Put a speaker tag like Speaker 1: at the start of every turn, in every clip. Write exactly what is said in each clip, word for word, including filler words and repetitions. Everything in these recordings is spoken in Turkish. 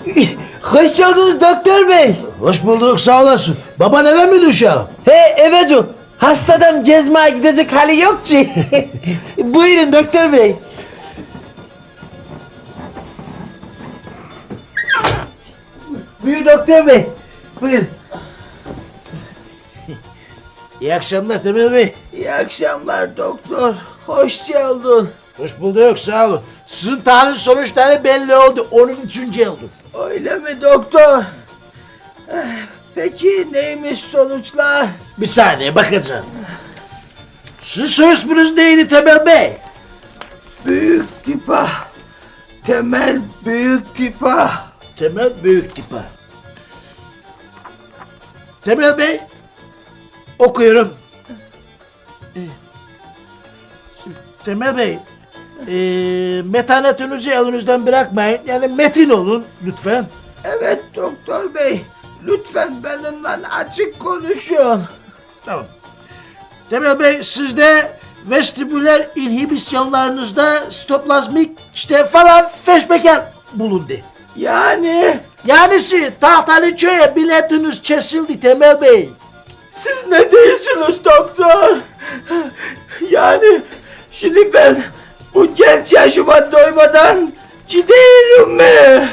Speaker 1: Hoş geldiniz doktor bey.
Speaker 2: Hoş bulduk, sağ olasın. Baban eve mi düşer?
Speaker 1: He evet o. Hastadan cezmaya gidecek hali yok ki. Buyurun doktor bey. Buyur doktor bey. Buyurun.
Speaker 2: İyi akşamlar Temel Bey.
Speaker 1: İyi akşamlar doktor. Hoş geldin.
Speaker 2: Hoş bulduk, sağ olun. Sizin tahlil sonuçları belli oldu, onun için geldim.
Speaker 1: Öyle mi doktor? Eh, Peki neymiş sonuçlar?
Speaker 2: Bir saniye bakacağım. Sizin soy isminiz neydi Temel Bey?
Speaker 1: Büyük tipa. Temel büyük tipa.
Speaker 2: Temel Büyük Tipa. Temel Bey, okuyorum. Ee, Temel Bey, ee, metanetinizi elinizden bırakmayın. Yani metin olun lütfen.
Speaker 1: Evet doktor bey. Lütfen benimle açık konuşun.
Speaker 2: Tamam. Temel Bey, sizde vestibüler inhibisyonlarınızda stoplazmik işte falan feşmekan bulundu.
Speaker 1: Yani
Speaker 2: Yanisi tahtalı köye biletiniz kesildi Temel Bey.
Speaker 1: siz ne diyorsunuz doktor? Yani şimdi ben bu genç yaşıma doymadan gidiyorum mu?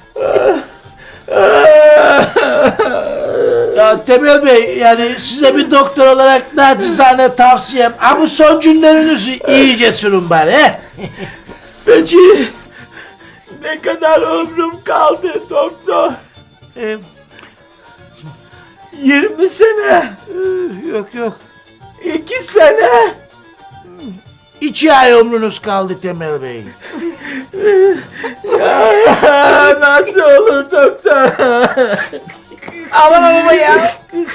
Speaker 2: Ya Temel Bey, yani size bir doktor olarak nacizane tavsiyem, ha bu son günlerinizi iyice sürün bari he.
Speaker 1: Peki ne kadar ömrüm kaldı doktor?
Speaker 2: Ee,
Speaker 1: yirmi sene,
Speaker 2: yok yok.
Speaker 1: iki sene.
Speaker 2: İki ay ömrünüz kaldı Temel Bey.
Speaker 1: Ya, nasıl olur doktor? Ağlama baba ya.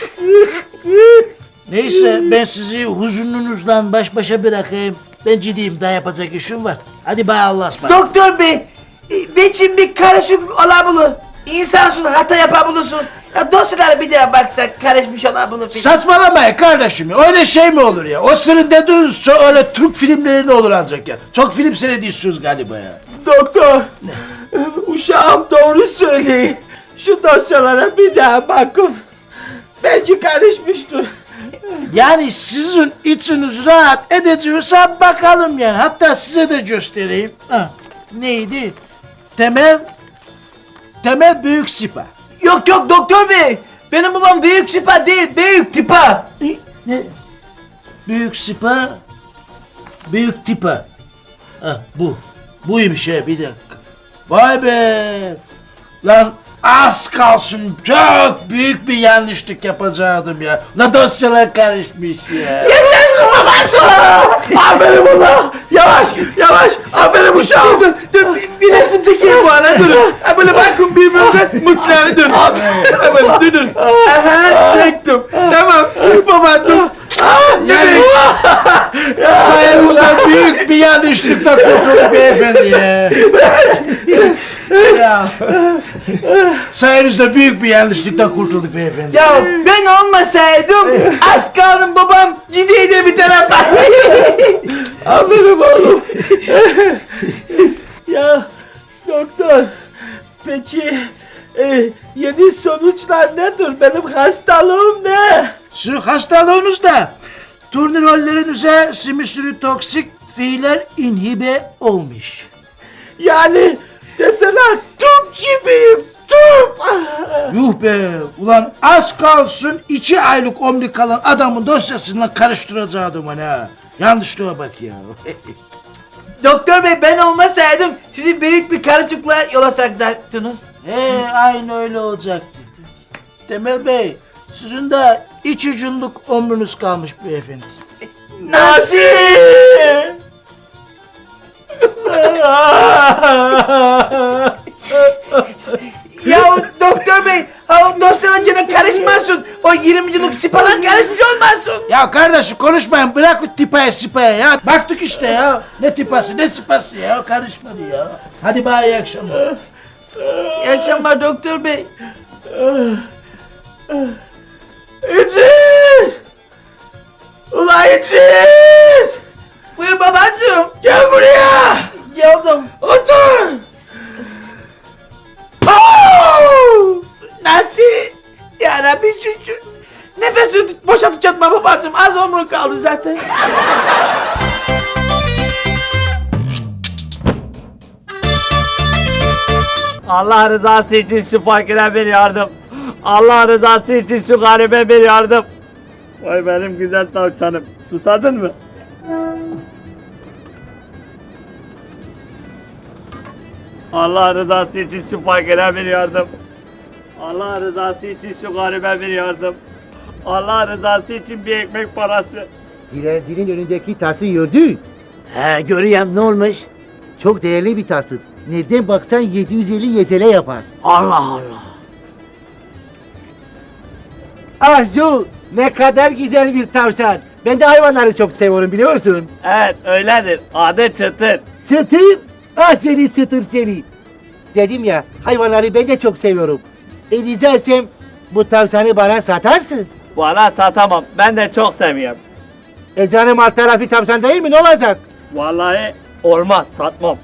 Speaker 2: Neyse, ben sizi huzununuzdan baş başa bırakayım. Ben ciddiyim, daha yapacak işim var. Hadi bay Allah'a ısmarladık.
Speaker 1: Doktor bey, benim bir karışık olabilir. İnsansız hata yapabilirsin. Ya dosyalara bir daha baksak karışmış olabilir.
Speaker 2: Saçmalamayın kardeşim ya. Öyle şey mi olur ya? O senin dediğiniz çok öyle Türk filmlerinde olur ancak ya. Çok film seyrediyorsunuz galiba ya.
Speaker 1: Doktor, uşağım doğru söylüyor. Şu dosyalara bir daha bakın. Belki karışmıştır.
Speaker 2: Yani sizin içiniz rahat edeceğiyorsa bakalım yani. Hatta size de göstereyim. Ha, neydi? Temel, Temel Büyük Sipa.
Speaker 1: Yok yok doktor bey. Benim babam büyük tipa değil, büyük tipa.
Speaker 2: Ne? Büyük Sipa, Büyük Tipa. Ha, bu. Buymuş ha, bir dakika. Vay be! Lan az kalsın çok büyük bir yanlışlık yapacaktım ya. Lan dosyalar karışmış ya.
Speaker 1: Yaşasın babacığım. Aferin buna. Yavaş, yavaş. Aferin uşağım. Dur, dur, bir, bir resim çekeyim bu ana, durun. Ha, böyle bakın birbirimize mutlu dur. Aferin, dur, dur. Aha, çektim. Tamam, babacığım.
Speaker 2: Yani sayenizde büyük bir yanlışlıkla kurtulduk beyefendi ya. Ya. Sayenizde büyük bir yanlışlıkla kurtulduk beyefendi.
Speaker 1: Ya ben olmasaydım az kaldım babam gideydi bir tarafa. Aferin oğlum. Ya doktor, peki e, yeni sonuçlar nedir? Benim hastalığım ne?
Speaker 2: Sizin hastalığınızda turnirollerinize simisürü toksik fiiller inhibe olmuş.
Speaker 1: Yani deseler tüp gibiyim, tüp.
Speaker 2: Yuh be! Ulan az kalsın iki aylık ömrü kalan adamın dosyasıyla karıştıracaktım ha. Yanlışlığa bak ya.
Speaker 1: Doktor bey ben olmasaydım sizi büyük bir karışıklığa yola sokacaktınız.
Speaker 2: He, aynı öyle olacaktı. Temel Bey, sizin de iki yıllık ömrünüz kalmış beyefendi.
Speaker 1: Nasıl? Ya doktor bey, ha o dosyanın içine karışmasın. O yirmi yıllık sipalan karışmış olmasın.
Speaker 2: Ya kardeşim konuşmayın, bırak o tipaya sipaya ya. Baktık işte ya. Ne tipası ne sipası ya, karışmadı ya. Hadi bana iyi akşamlar.
Speaker 1: İyi akşamlar doktor bey. İdris! Ulan İdris! Buyur babacığım. Gel buraya. Geldim. Otur. Aa! şu, şu. Nefesi boşaltacağım babacığım. Az omrun kaldı zaten.
Speaker 3: Allah rızası için şu fakire bir yardım. Allah rızası için şu garibe bir yardım. Vay benim güzel tavşanım. Susadın mı? Allah rızası için şu fakire bir yardım. Allah rızası için şu garibe bir yardım. Allah rızası için bir ekmek parası.
Speaker 4: Dilenzinin önündeki tası gördün.
Speaker 2: He görüyorum ne olmuş?
Speaker 4: Çok değerli bir tastır. Nereden baksan yedi yüz elli Y T L yapar.
Speaker 2: Allah Allah.
Speaker 4: Ah Joe, ne kadar güzel bir tavşan. Ben de hayvanları çok seviyorum biliyorsun.
Speaker 3: Evet öyledir. Adı Çıtır.
Speaker 4: Çıtır, ah seni çıtır seni. Dedim ya, hayvanları ben de çok seviyorum. E rica etsem bu tavşanı bana satarsın.
Speaker 3: Valla satamam. Ben de çok seviyorum.
Speaker 4: E canım alt tarafı tavşan değil mi, ne olacak?
Speaker 3: Vallahi olmaz satmam.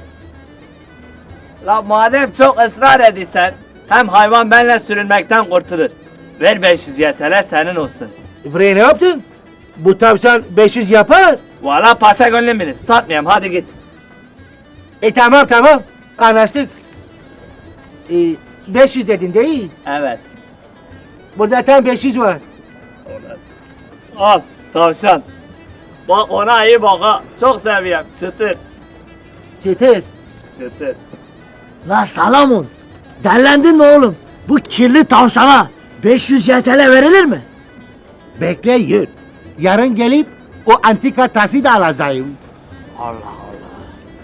Speaker 3: La madem çok ısrar ediysen hem hayvan benimle sürünmekten kurtulur. Ver beş yüz Y T L senin olsun.
Speaker 4: Buraya ne yaptın? Bu tavşan beş yüz yapar.
Speaker 3: Valla paşa gönlüm bilir. Satmayayım hadi git.
Speaker 4: E tamam tamam, anlaştık. E, beş yüz dedin değil.
Speaker 3: Evet.
Speaker 4: Burada tam beş yüz var.
Speaker 3: Al tavşan. Bak ona iyi bak ha. Çok seviyorum. Çıtır.
Speaker 4: Çıtır.
Speaker 3: Çıtır.
Speaker 2: La Salamun. Derlendin mi oğlum? Bu kirli tavşana beş yüz Y T L verilir mi?
Speaker 4: Bekle yürü. Yarın gelip o antika tası da alacağım.
Speaker 2: Allah Allah.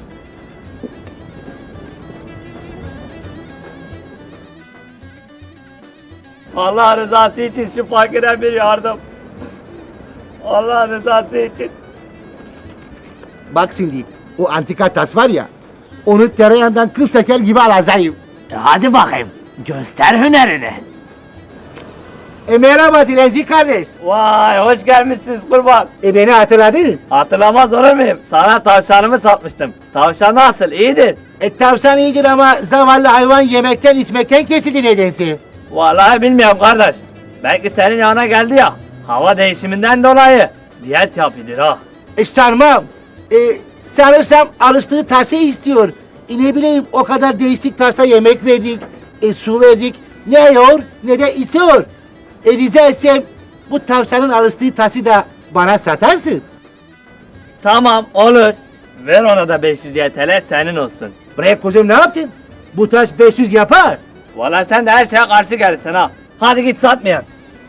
Speaker 3: Allah rızası için şu fakire bir yardım. Allah rızası için.
Speaker 4: Bak şimdi o antika tas var ya, onu tereyağından kıl çeker gibi alacağım.
Speaker 2: E hadi bakayım. Göster hünerini.
Speaker 4: E merhaba Dilenci kardeş.
Speaker 3: Vay hoş gelmişsiniz kurban.
Speaker 4: E beni hatırladın.
Speaker 3: Hatırlamaz olur muyum? Sana tavşanımı satmıştım. Tavşan nasıl? İyidir.
Speaker 4: E tavşan iyidir ama zavallı hayvan yemekten içmekten kesildi nedense.
Speaker 3: Vallahi bilmiyorum kardeş. Belki senin yanına geldi ya. Hava değişiminden dolayı. Diyet yapıyordur ha.
Speaker 4: E sarmam. E sanırsam alıştığı tası istiyor. E ne bileyim o kadar değişik tasta yemek verdik. E su verdik. Ne yiyor ne de içiyor. E rica etsem bu tavşanın alıştığı tası da bana satarsın.
Speaker 3: Tamam olur. Ver ona da beş yüz Y T L senin olsun.
Speaker 4: Bre kuzum ne yaptın? Bu taş beş yüz yapar.
Speaker 3: Vallahi sen de her şeye karşı gelirsin ha. Hadi git satmayalım.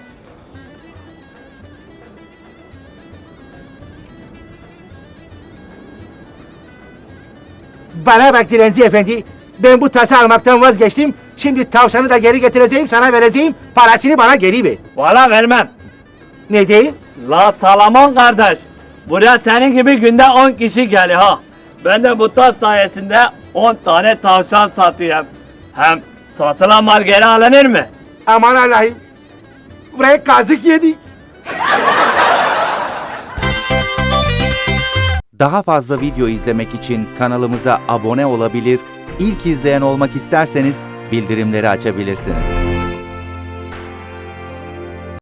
Speaker 4: Bana bak dilenci efendi. Ben bu tası almaktan vazgeçtim. Şimdi tavşanı da geri getireceğim, sana vereceğim. Parasını bana geri ver.
Speaker 3: Vallahi vermem.
Speaker 4: Ne değil?
Speaker 3: La Salaman kardeş. Buraya senin gibi günde on kişi geliyor ha. Ben de bu tas sayesinde on tane tavşan satıyorum. Hem satılan mal geri alınır mı?
Speaker 4: Aman Allah'ım. Buraya kazık yedik.
Speaker 5: Daha fazla video izlemek için kanalımıza abone olabilir, ilk izleyen olmak isterseniz bildirimleri açabilirsiniz.